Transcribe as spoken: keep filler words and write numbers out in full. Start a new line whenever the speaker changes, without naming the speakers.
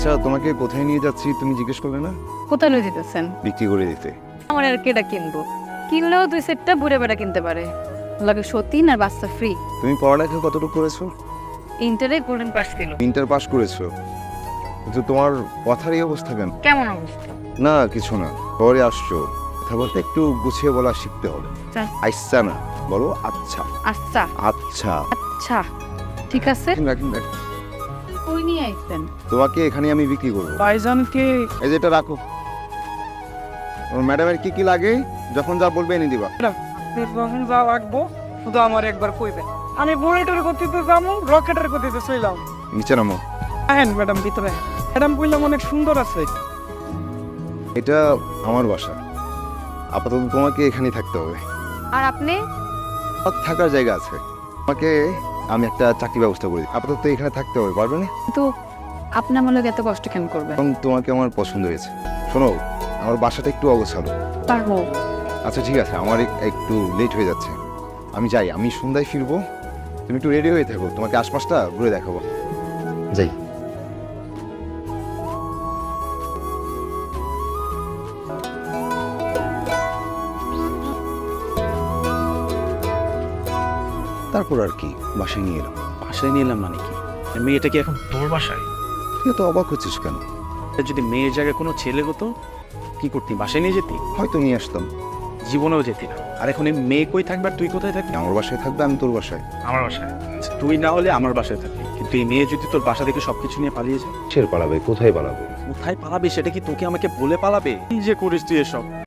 আচ্ছা, তোমাকে কোথায় নিয়ে যাচ্ছি তুমি জিজ্ঞেস করলে না?
কোথায় লই দিতেছেন?
বিক্রি করে দিতে।
আমার আর কেডা কিনবো? কিনলেও দুই সেটটা বুড়ে বেড়া কিনতে পারে, লাগে সতীন আর বাচ্চা ফ্রি।
তুমি পড়ালেখা কতটুকু করেছো?
ইন্টারে গোল্ডেন পাস ছিল।
ইন্টার পাস করেছো, কিন্তু তোমার কথার এই অবস্থা কেন?
কেমন অবস্থা?
না কিছু না, পরে আসছো, কথা বলতে একটু গুছিয়ে বলা শিখতে হবে।
আচ্ছা।
আচ্ছা না, বলো আচ্ছা।
আচ্ছা
আচ্ছা
আচ্ছা ঠিক আছে।
রাখেন, রাখেন, রাখেন।
কই নিয়ে আইছেন?
তোমাকে এখানে আমি বিক্রি করবো।
ভাইজানকে
এই যে এটা রাখো, ওর ম্যাডামের কি কি লাগে যখন যা বলবে এনে দিবা।
আপনি যখন যা লাগবো শুধু আমার একবার কইবেন। আমি বুলেটের গতিতে যাবো, রকেটের গতিতে চইলাম।
নিচে নামো।
হ্যাঁ ম্যাডাম ভিতরে। ম্যাডাম কইলাম অনেক সুন্দর আছে।
এটা আমার বাসা, আপাতত তোমাকে এখানেই থাকতে হবে।
আর আপনি?
সব থাকার জায়গা আছে, তোমাকে আমি একটা চাকরি ব্যবস্থা করে দিই। আপাতত এখানে থাকতে হবে, পারবে না?
তো আপনি আমার লোক এত কষ্ট কেন করবেন?
এবং তোমাকে আমার পছন্দ হয়েছে। শোনো, আমার বাসাটা একটু অগোছালো।
পারবো।
আচ্ছা ঠিক আছে, আমার এক- একটু লেট হয়ে যাচ্ছে, আমি যাই। আমি সন্ধ্যায় ফিরবো, তুমি একটু রেডি হয়ে থাকো, তোমাকে আশপাশটা ঘুরে দেখাবো। যাই। তারপর আর কি, বাসায় নিয়ে এলাম।
বাসায় নিয়ে এলাম মানে কি? মেয়েটা কি এখন তোর বাসায়?
তুই এত অবাক হচ্ছিস কেন?
তা যদি মেয়ের জায়গায় কোনো ছেলে হতো কি করতি? বাসায় নিয়ে যেতি?
হয়তো নিয়ে আসতাম।
জীবনেও যেতি না। আর এখন এই মেয়ে কই থাকবে আর তুই কোথায় থাকবি?
আমার বাসায় থাকবে, আমি তোর বাসায়।
আমার বাসায়। আচ্ছা, তুই না হলে আমার বাসায় থাকবি, কিন্তু এই মেয়ে যদি তোর বাসা থেকে সবকিছু নিয়ে পালিয়ে যায়?
ছেড়ে পালাবে, কোথায় পালাবে?
কোথায় পালাবে সেটা কি তোকে আমাকে বলে পালাবে? কি যে করিস তুই এসব?